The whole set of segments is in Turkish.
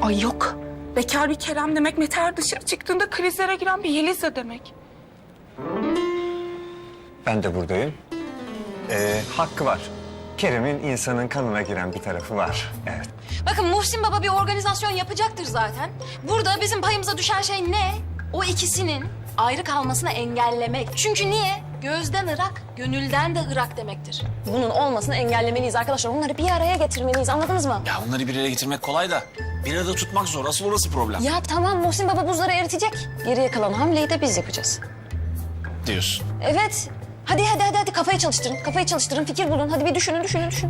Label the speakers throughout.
Speaker 1: Ay yok. Bekar bir Kerem demek Mete dışarı çıktığında krizlere giren bir Yeliz'e demek.
Speaker 2: Ben de buradayım. Hakkı var. Kerem'in insanın kanına giren bir tarafı var. Evet.
Speaker 3: Bakın Muhsin Baba bir organizasyon yapacaktır zaten. Burada bizim payımıza düşen şey ne? O ikisinin ayrı kalmasını engellemek. Çünkü niye? Gözden ırak, gönülden de ırak demektir. Bunun olmasını engellemeliyiz arkadaşlar. Onları bir araya getirmeliyiz, anladınız mı?
Speaker 4: Ya bunları bir araya getirmek kolay da bir arada tutmak zor. Asıl orası problem.
Speaker 3: Ya tamam, Muhsin Baba buzları eritecek. Geriye kalan hamleyi de biz yapacağız.
Speaker 4: Diyorsun.
Speaker 3: Evet. Hadi kafayı çalıştırın, fikir bulun. Hadi bir düşünün.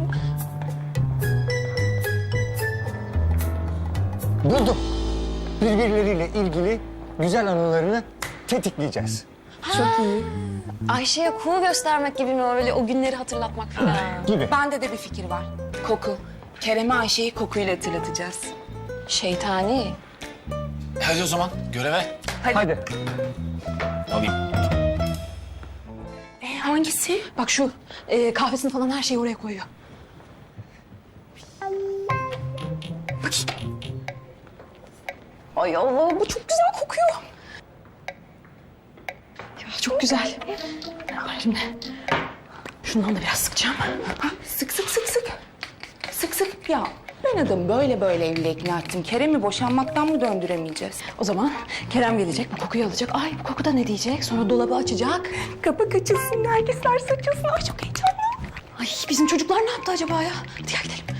Speaker 2: Buldum. Birbirleriyle ilgili güzel anılarını tetikleyeceğiz.
Speaker 3: Çok iyi. Ayşe'ye kuğu göstermek gibi mi, öyle o günleri hatırlatmak falan?
Speaker 2: Gibi.
Speaker 1: Bende de bir fikir var. Koku. Kerem'e Ayşe'yi kokuyla hatırlatacağız.
Speaker 3: Şeytani.
Speaker 4: Hadi o zaman göreve.
Speaker 2: Hadi.
Speaker 4: Alayım.
Speaker 1: Hangisi?
Speaker 3: Bak şu kahvesini falan her şeyi oraya koyuyor. Bakayım. Ay Allah, bu çok güzel kokuyor. Ya çok güzel. Şimdi şundan da biraz sıkacağım.
Speaker 1: Sık. Sık. Ya ben adamı böyle evliliğe ikna ettim. Kerem'i boşanmaktan mı döndüremeyeceğiz?
Speaker 3: O zaman Kerem gelecek, bu kokuyu alacak. Ay bu koku da ne diyecek? Sonra dolabı açacak.
Speaker 1: Kapak açılsın, nergisler saçılsın. Ay çok heyecanlı.
Speaker 3: Ay bizim çocuklar ne yaptı acaba ya? Hadi gel gidelim.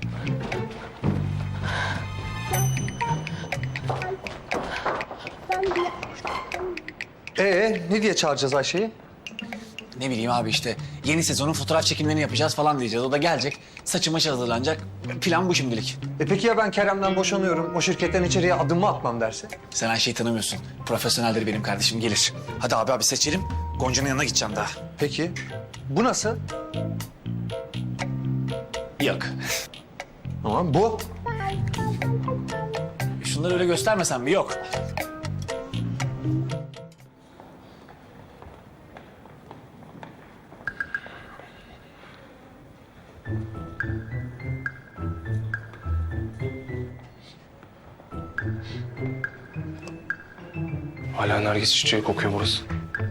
Speaker 2: Ne diye çağıracağız Ayşe'yi?
Speaker 4: Ne bileyim abi işte yeni sezonun fotoğraf çekimlerini yapacağız falan diyeceğiz. O da gelecek. Saçı maçı hazırlanacak. Plan bu şimdilik.
Speaker 2: Peki ya ben Kerem'den boşanıyorum, o şirketten içeriye adımımı atmam derse?
Speaker 4: Sen Ayşe'yi tanımıyorsun. Profesyoneldir benim kardeşim, gelir. Hadi abi seçelim. Gonca'nın yanına gideceğim daha.
Speaker 2: Peki. Bu nasıl?
Speaker 4: Yok.
Speaker 2: Tamam, bu.
Speaker 4: Şunları öyle göstermesen mi? Yok.
Speaker 5: Hala nergis çiçeği kokuyor burası.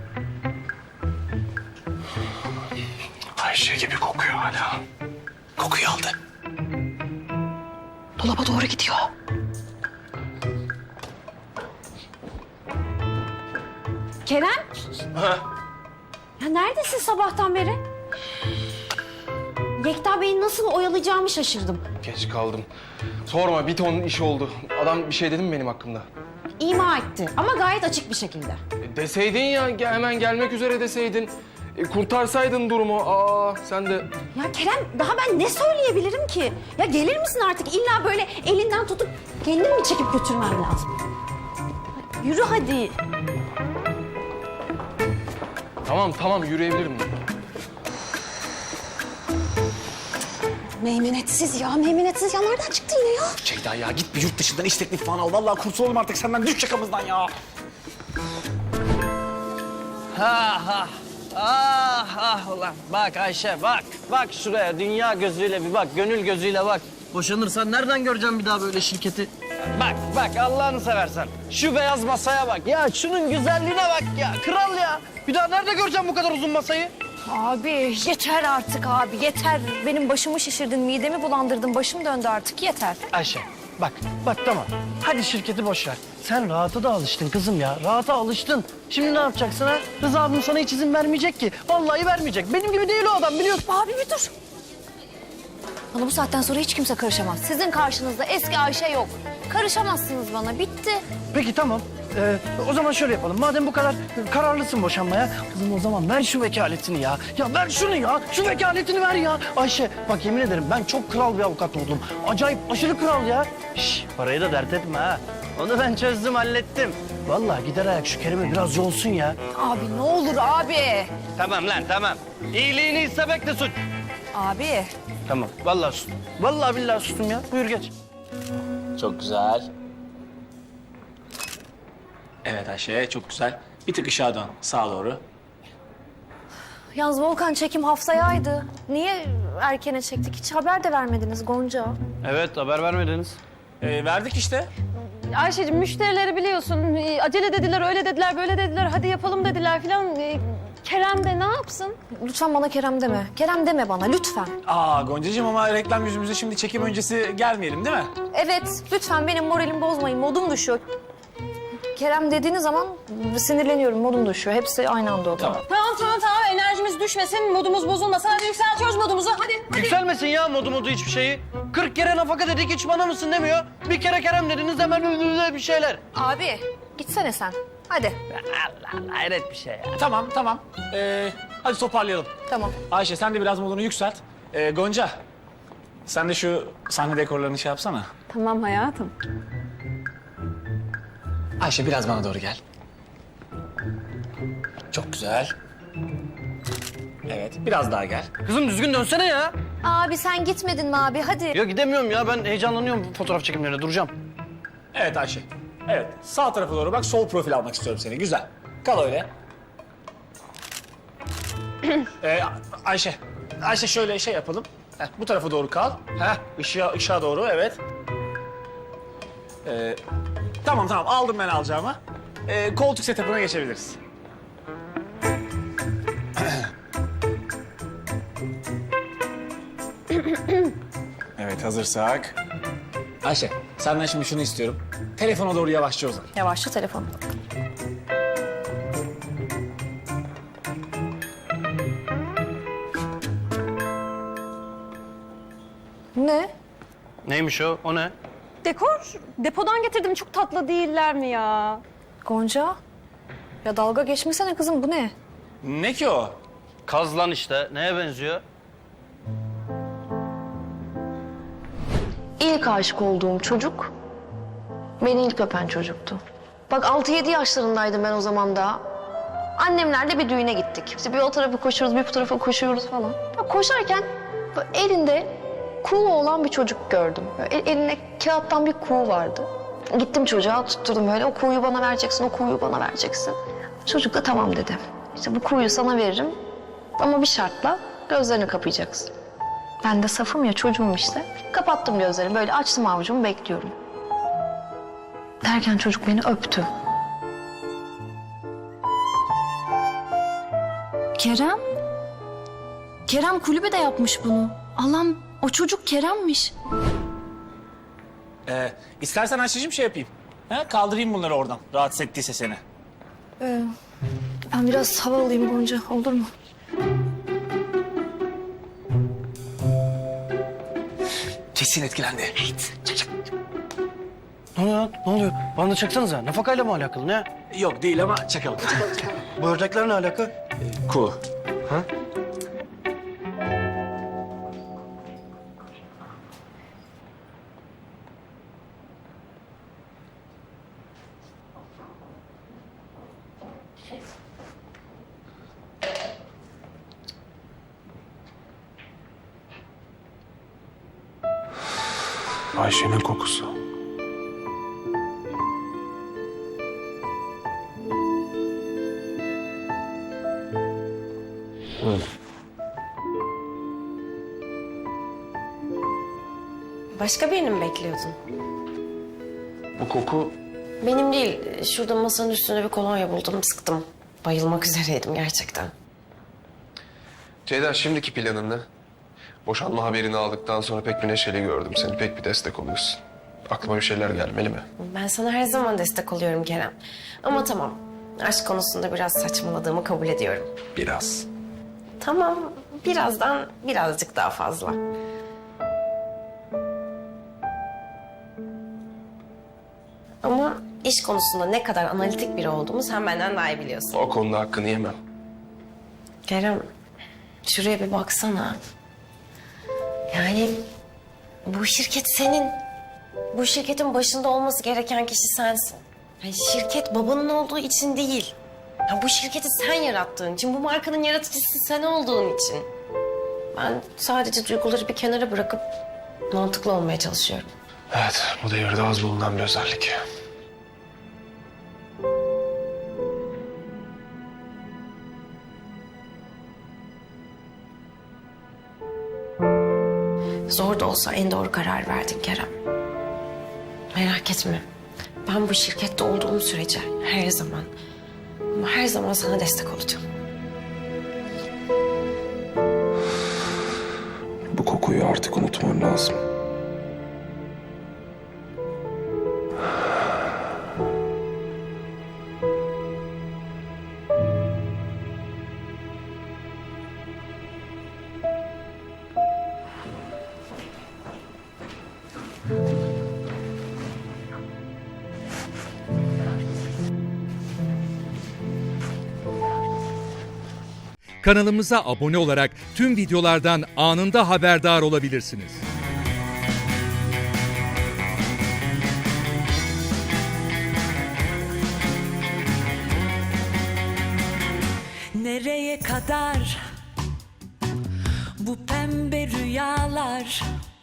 Speaker 5: Ayşe gibi kokuyor hala.
Speaker 4: Kokuyu aldı.
Speaker 3: Dolaba doğru gidiyor.
Speaker 6: Kerem?
Speaker 5: Ha?
Speaker 6: Ya neredesin sabahtan beri? Yekta Bey'i nasıl oyalayacağımı şaşırdım.
Speaker 5: Geç kaldım. Sorma, bir ton iş oldu. Adam bir şey dedi mi benim hakkımda?
Speaker 6: İma etti ama gayet açık bir şekilde.
Speaker 5: Deseydin ya, hemen gelmek üzere deseydin. Kurtarsaydın durumu. Sen de...
Speaker 6: Ya Kerem, daha ben ne söyleyebilirim ki? Ya gelir misin artık? İlla böyle elinden tutup kendin mi çekip götürmem lazım? Yürü hadi.
Speaker 5: Tamam yürüyebilirim.
Speaker 3: Meymenetsiz ya. Nereden çıktı yine ya?
Speaker 4: Ceyda ya git bir yurt dışından iş teklifi falan al. Vallahi kurtulalım artık senden. Düş şakamızdan ya.
Speaker 7: Ulan bak Ayşe bak. Bak şuraya dünya gözüyle bir bak, gönül gözüyle bak. Boşanırsan nereden göreceğim bir daha böyle şirketi? Bak Allah'ını seversen. Şu beyaz masaya bak. Ya şunun güzelliğine bak ya. Kral ya. Bir daha nerede göreceğim bu kadar uzun masayı?
Speaker 6: Abi yeter artık abi, yeter. Benim başımı şişirdin, midemi bulandırdın, başım döndü artık, yeter.
Speaker 7: Ayşe bak tamam. Hadi şirketi boş ver. Sen rahata da alıştın kızım ya. Rahata alıştın. Şimdi ne yapacaksın ha? Rıza abim sana hiç izin vermeyecek ki. Vallahi vermeyecek. Benim gibi değil o adam biliyorsun.
Speaker 6: Abi bir dur. Bana bu saatten sonra hiç kimse karışamaz. Sizin karşınızda eski Ayşe yok. Karışamazsınız bana, bitti.
Speaker 7: Peki tamam. O zaman şöyle yapalım. Madem bu kadar kararlısın boşanmaya. Kızım o zaman ver şu vekaletini ya. Ya ver şunu ya. Şu vekaletini ver ya. Ayşe bak yemin ederim ben çok kral bir avukat oldum. Acayip aşırı kral ya. Şş, parayı da dert etme ha. Onu ben çözdüm hallettim. Vallahi gider ayak şu Kerim'e biraz yolsun ya.
Speaker 6: Abi ne olur abi.
Speaker 7: Tamam lan tamam. İyiliğini istemek de suç.
Speaker 6: Abi.
Speaker 7: Tamam vallahi sustum. Vallahi billahi sustum ya. Buyur geç.
Speaker 4: Çok güzel. Evet Ayşe çok güzel. Bir tık ışığa dön sağa doğru.
Speaker 6: Yalnız Volkan çekim haftayaydı. Niye erkene çektik? Hiç haber de vermediniz Gonca.
Speaker 7: Evet haber vermediniz.
Speaker 4: Verdik işte.
Speaker 6: Ayşe'cim müşterileri biliyorsun. Acele dediler, öyle dediler, böyle dediler. Hadi yapalım dediler filan. Kerem de ne yapsın?
Speaker 8: Lütfen bana Kerem deme. Kerem deme bana lütfen.
Speaker 4: Aa Goncacığım ama reklam yüzümüze şimdi çekim öncesi gelmeyelim değil mi?
Speaker 8: Evet lütfen benim moralimi bozmayın. Modum düşüyor. Kerem dediğiniz zaman sinirleniyorum. Modum düşüyor. Hepsi aynı anda oluyor.
Speaker 6: Tamam. Enerjimiz düşmesin, modumuz bozulmasın. Hadi yükseltiyoruz modumuzu. Hadi.
Speaker 7: Yükselmesin ya modu hiçbir şeyi. 40 kere nafaka dedik hiç bana mısın demiyor. Bir kere Kerem dediniz hemen bir şeyler.
Speaker 8: Abi gitsene sen. Hadi.
Speaker 7: Allah Allah hayret bir şey ya.
Speaker 4: Tamam. Hadi toparlayalım.
Speaker 8: Tamam.
Speaker 4: Ayşe sen de biraz modunu yükselt. Gonca sen de şu sahne dekorlarını şey yapsana.
Speaker 6: Tamam hayatım.
Speaker 4: Ayşe biraz bana doğru gel. Çok güzel. Evet biraz daha gel.
Speaker 7: Kızım düzgün dönsene ya.
Speaker 8: Abi sen gitmedin mi abi? Hadi.
Speaker 7: Ya gidemiyorum ya ben heyecanlanıyorum fotoğraf çekimlerine duracağım.
Speaker 4: Evet Ayşe. Evet sağ tarafa doğru bak sol profil almak istiyorum seni. Güzel. Kal öyle. Ayşe. Ayşe şöyle şey yapalım. Bu tarafa doğru kal. Işığa doğru evet. Tamam aldım ben alacağımı. Koltuk setup'ına geçebiliriz. Evet hazırsak. Ayşe senden şimdi şunu istiyorum. Telefona doğru yavaşça uzan.
Speaker 8: Yavaşça telefon. Ne?
Speaker 7: Neymiş o? O ne?
Speaker 6: Dekor, depodan getirdim. Çok tatlı değiller mi ya?
Speaker 8: Gonca? Ya dalga geçmesene kızım bu ne?
Speaker 4: Ne ki o?
Speaker 7: Kaz lan işte. Neye benziyor?
Speaker 8: İlk aşık olduğum çocuk beni ilk öpen çocuktu. Bak 6-7 yaşlarındaydım ben o zaman daha. Annemlerle bir düğüne gittik. İşte bir o tarafa koşuyoruz, bir bu tarafa koşuyoruz falan. Ya koşarken böyle elinde kuğu olan bir çocuk gördüm. Böyle elinde kağıttan bir kuğu vardı. Gittim çocuğa tutturdum böyle. O kuğuyu bana vereceksin, o kuğuyu bana vereceksin. Çocuk da tamam dedi. İşte bu kuğuyu sana veririm ama bir şartla gözlerini kapayacaksın. Ben de safım ya çocuğum işte. Kapattım gözlerimi böyle açtım avucumu bekliyorum. Derken çocuk beni öptü.
Speaker 9: Kerem? Kerem kulübede yapmış bunu. Allah'ım o çocuk Kerem'miş.
Speaker 4: İstersen Ayşe'cim şey yapayım. Kaldırayım bunları oradan. Rahatsız ettiyse seni.
Speaker 8: Ben biraz hava alayım Gonca olur mu?
Speaker 4: Kesin etkilendi.
Speaker 7: Ne oluyor? Ne oluyor? Bana da çaksanıza. Nafakayla mı alakalı ne?
Speaker 4: Yok değil ama çakalım.
Speaker 7: Bu ördekler ne alaka?
Speaker 4: Ku.
Speaker 5: Ayşe'nin kokusu.
Speaker 10: Başka birini mi bekliyordun?
Speaker 5: Bu koku
Speaker 10: Benim değil. Şurada masanın üstünde bir kolonya buldum, sıktım. Bayılmak üzereydim gerçekten.
Speaker 11: Ceyda şimdiki planın ne? Boşanma haberini aldıktan sonra pek bir neşeli gördüm seni. Pek bir destek oluyorsun. Aklıma bir şeyler gelmeli mi?
Speaker 10: Ben sana her zaman destek oluyorum Kerem. Ama tamam, aşk konusunda biraz saçmaladığımı kabul ediyorum.
Speaker 11: Biraz.
Speaker 10: Tamam, birazdan birazcık daha fazla. Ama iş konusunda ne kadar analitik biri olduğumu sen benden daha iyi biliyorsun.
Speaker 11: O konuda hakkını yemem.
Speaker 10: Kerem, şuraya bir baksana. Yani bu şirket senin. Bu şirketin başında olması gereken kişi sensin. Yani şirket babanın olduğu için değil. Ya bu şirketi sen yarattığın için, bu markanın yaratıcısı sen olduğun için. Ben sadece duyguları bir kenara bırakıp mantıklı olmaya çalışıyorum.
Speaker 11: Evet, bu devirde az bulunan bir özellik.
Speaker 10: Zor da olsa en doğru karar verdin Kerem. Merak etme. Ben bu şirkette olduğum sürece her zaman ama her zaman sana destek olacağım.
Speaker 11: Bu kokuyu artık unutmam lazım.
Speaker 12: Kanalımıza abone olarak tüm videolardan anında haberdar olabilirsiniz.
Speaker 13: Nereye kadar bu pembe rüyalar?